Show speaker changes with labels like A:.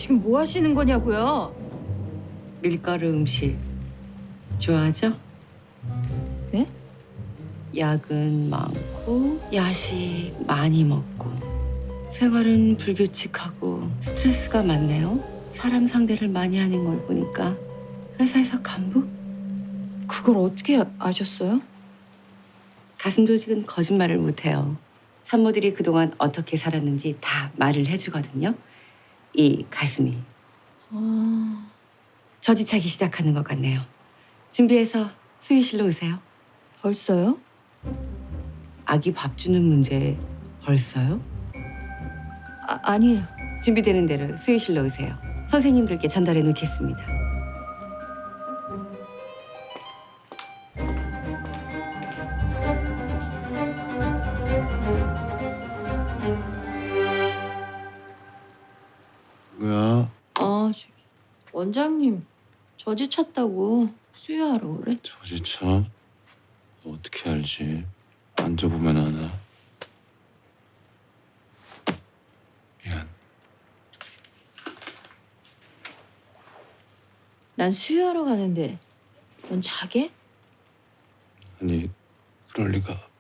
A: 지금 뭐 하시는 거냐고요?
B: 밀가루 음식 좋아하죠?
A: 네?
B: 야근 많고 야식 많이 먹고 생활은 불규칙하고 스트레스가 많네요. 사람 상대를 많이 하는 걸 보니까 회사에서 간부?
A: 그걸 어떻게 아셨어요?
B: 가슴 조직은 거짓말을 못해요. 산모들이 그동안 어떻게 살았는지 다 말을 해주거든요. 이 가슴이
A: 아,
B: 저지차기 시작하는 것 같네요. 준비해서 수유실로 오세요.
A: 벌써요?
B: 아기 밥 주는 문제 벌써요?
A: 아니에요.
B: 준비되는 대로 수유실로 오세요. 선생님들께 전달해 놓겠습니다.
C: 뭐야?
A: 저기 원장님 저지 찼다고 수유하러 오래?
C: 저지차? 너 어떻게 알지? 만져보면 아나. 미안.
A: 난 수유하러 가는데 넌 자게?
C: 아니, 그럴 리가.